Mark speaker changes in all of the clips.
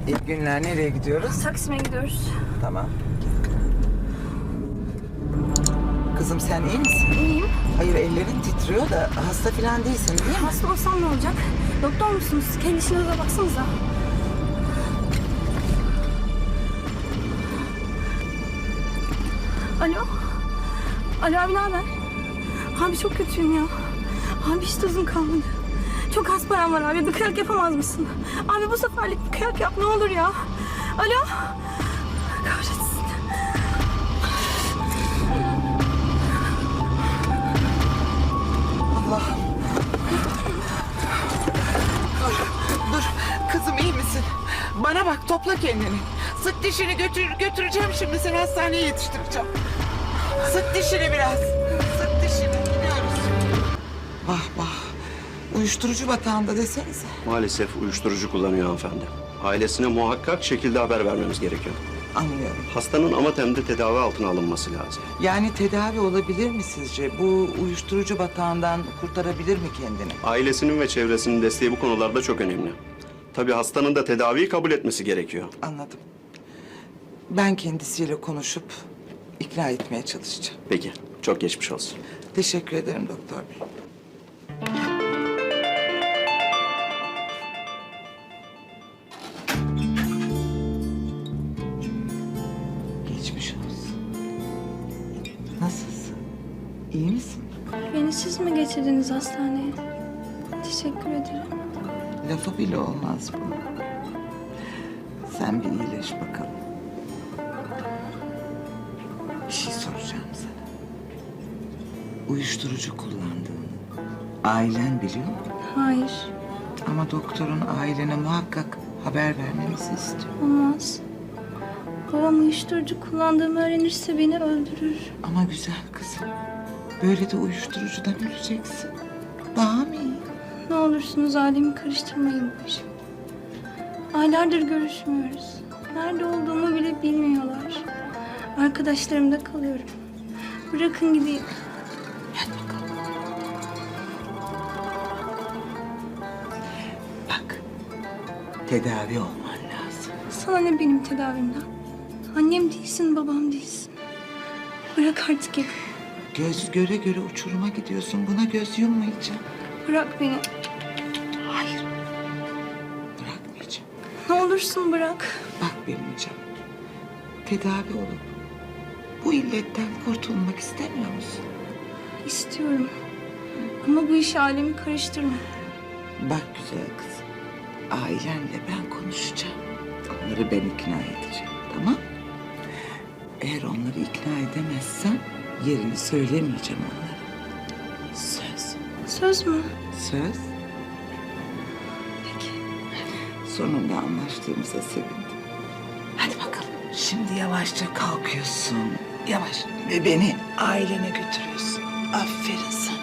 Speaker 1: İyi günler. Nereye gidiyoruz?
Speaker 2: Taksim'e gidiyoruz.
Speaker 1: Tamam. Kızım sen iyi misin?
Speaker 2: İyiyim.
Speaker 1: Hayır ellerin titriyor da hasta falan değilsin değil mi?
Speaker 2: Hasta olsam ne olacak? Doktor musunuz? Kendi işinize baksanıza. Alo? Alo abi ne haber? Abi çok kötüyüm ya. Abi hiç tuzum kalmadı. Çok az param var abi. Bir kıyak yapamaz mısın? Abi bu seferlik bir kıyak yap ne olur ya. Alo? Kahretsin.
Speaker 1: Allah. Dur. Kızım iyi misin? Bana bak topla kendini. Sık dişini götüreceğim şimdi seni hastaneye yetiştireceğim. Sık dişini biraz. Sık dişini. Gidiyoruz. Vah vah. Uyuşturucu batağında desenize.
Speaker 3: Maalesef uyuşturucu kullanıyor hanımefendi. Ailesine muhakkak şekilde haber vermemiz gerekiyor.
Speaker 1: Anlıyorum.
Speaker 3: Hastanın amatemde tedavi altına alınması lazım.
Speaker 1: Yani tedavi olabilir mi sizce? Bu uyuşturucu batağından kurtarabilir mi kendini?
Speaker 3: Ailesinin ve çevresinin desteği bu konularda çok önemli. Tabii hastanın da tedaviyi kabul etmesi gerekiyor.
Speaker 1: Anladım. Ben kendisiyle konuşup ikna etmeye çalışacağım.
Speaker 3: Peki, çok geçmiş olsun.
Speaker 1: Teşekkür ederim doktor bey. Geçmiş olsun. Nasılsın? İyi misin?
Speaker 2: Beni siz mi getirdiniz hastaneye? Teşekkür ederim.
Speaker 1: Lafı bile olmaz bu. Sen bir iyileş bakalım. Bir şey soracağım sana. Uyuşturucu kullandığını ailen biliyor mu?
Speaker 2: Hayır,
Speaker 1: Ama doktorun ailene muhakkak haber vermemizi istiyor.
Speaker 2: olmaz. Babam uyuşturucu kullandığımı öğrenirse beni öldürür.
Speaker 1: Ama güzel kızım. Böyle de uyuşturucudan öleceksin. Daha mı iyi?
Speaker 2: Ne olursunuz ailemi karıştırmayın bu işe. Aylardır görüşmüyoruz. Nerede olduğumu bile bilmiyorlar. Arkadaşlarımda kalıyorum. Bırakın gideyim.
Speaker 1: Hadi bakalım. Bak, tedavi olman lazım.
Speaker 2: Sana ne benim tedavimden? Annem değilsin, babam değilsin. Bırak artık evi.
Speaker 1: Göz göre göre uçuruma gidiyorsun. Buna göz yummayacağım.
Speaker 2: Bırak beni.
Speaker 1: Hayır. Bırakmayacağım.
Speaker 2: Ne olursun bırak.
Speaker 1: Bak benim canım. Tedavi olup bu illetten kurtulmak istemiyor musun?
Speaker 2: İstiyorum. Ama bu işe ailemi karıştırma.
Speaker 1: Bak güzel kızım. Ailenle ben konuşacağım. Onları ben ikna edeceğim. Tamam? Eğer onları ikna edemezsem yerini söylemeyeceğim onlara. Söz.
Speaker 2: Söz mü?
Speaker 1: Söz.
Speaker 2: Peki.
Speaker 1: Sonunda anlaştığımıza sevindim. Hadi bakalım. Şimdi yavaşça kalkıyorsun. Yavaş. Ve beni ailene götürüyorsun. Aferin sana.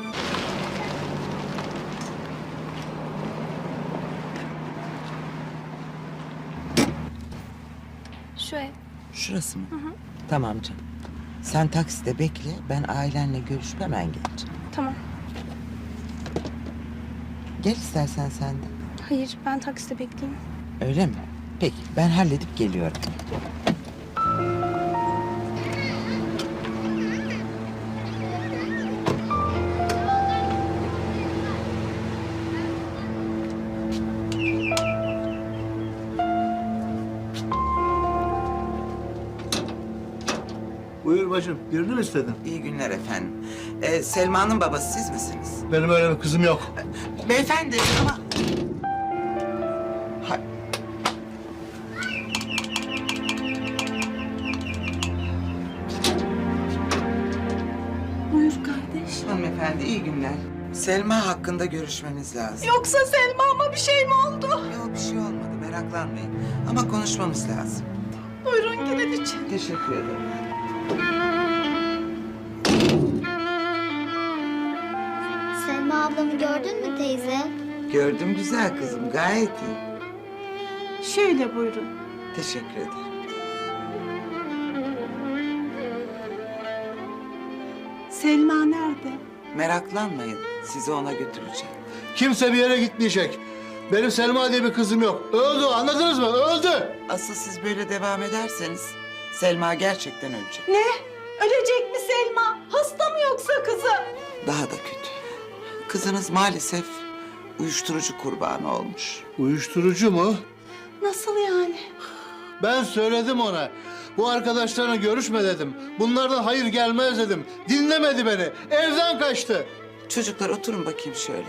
Speaker 2: Şu ev.
Speaker 1: Şurası mı? Tamam canım. Sen takside bekle. Ben ailenle görüşüp hemen geleceğim.
Speaker 2: Tamam.
Speaker 1: Gel istersen sen de.
Speaker 2: Hayır, ben takside bekleyeyim.
Speaker 1: Öyle mi? Peki ben halledip geliyorum.
Speaker 4: Buyur bacım, birini mi istedin?
Speaker 1: İyi günler efendim. Selma'nın babası siz misiniz?
Speaker 4: Benim öyle bir kızım yok.
Speaker 1: Beyefendi ama... Ha-
Speaker 2: Buyur kardeş.
Speaker 1: Hanımefendi iyi günler. Selma hakkında görüşmemiz lazım.
Speaker 2: Yoksa Selma'ma bir şey mi oldu?
Speaker 1: Yok bir şey olmadı meraklanmayın. Ama konuşmamız lazım.
Speaker 2: Buyurun girin için.
Speaker 1: Teşekkür ederim.
Speaker 5: Selma ablamı gördün mü teyze?
Speaker 1: Gördüm güzel kızım gayet iyi.
Speaker 2: Şöyle buyurun.
Speaker 1: Teşekkür ederim.
Speaker 6: Selma nerede?
Speaker 1: Meraklanmayın sizi ona götüreceğim.
Speaker 4: Kimse bir yere gitmeyecek. Benim Selma diye bir kızım yok. Öldü, anladınız mı? Öldü.
Speaker 1: Asıl siz böyle devam ederseniz Selma gerçekten ölecek.
Speaker 6: Ne? Ölecek mi Selma? Hasta mı yoksa kızım?
Speaker 1: Daha da kötü. Kızınız maalesef uyuşturucu kurbanı olmuş.
Speaker 4: Uyuşturucu mu?
Speaker 6: Nasıl yani?
Speaker 4: Ben söyledim ona. Bu arkadaşlarına görüşme dedim. Bunlardan hayır gelmez dedim. Dinlemedi beni. Evden kaçtı.
Speaker 1: Çocuklar oturun bakayım şöyle.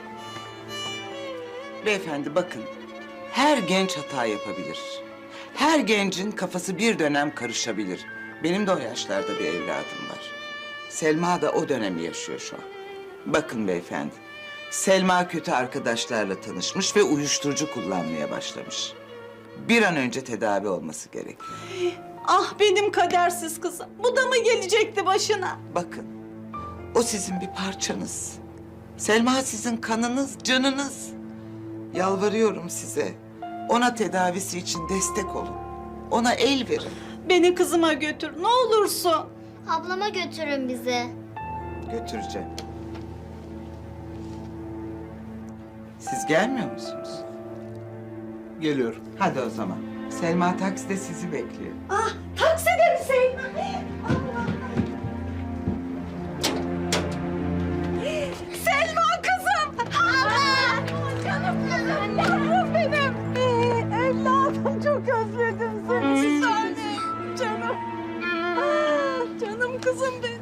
Speaker 1: Beyefendi bakın. Her genç hata yapabilir. Her gencin kafası bir dönem karışabilir. Benim de o yaşlarda bir evladım var. Selma da o dönemi yaşıyor şu an. Bakın beyefendi. Selma kötü arkadaşlarla tanışmış ve uyuşturucu kullanmaya başlamış. Bir an önce tedavi olması gerekiyor.
Speaker 6: Ah benim kadersiz kızım. Bu da mı gelecekti başına?
Speaker 1: Bakın, o sizin bir parçanız. Selma sizin kanınız, canınız. Yalvarıyorum size. Ona tedavisi için destek olun. Ona el verin.
Speaker 6: Beni kızıma götür ne olursun.
Speaker 5: Ablama götürün bizi.
Speaker 1: Götüreceğim. Siz gelmiyor musunuz?
Speaker 4: Geliyor.
Speaker 1: Hadi o zaman. Selma takside sizi bekliyor.
Speaker 6: Ah takside mi Selma? Selma kızım. Canım kızım. Yavrum benim. Evladım çok özledim seni. Bir tanem. Canım. Ah, canım kızım benim.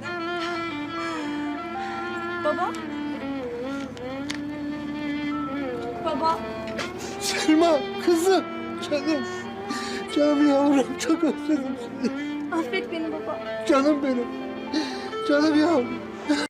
Speaker 2: Baba? Baba?
Speaker 4: Selma, kızım. Canım. Canım yavrum, çok özledim seni.
Speaker 2: Affet beni baba.
Speaker 4: Canım benim. Canım yavrum.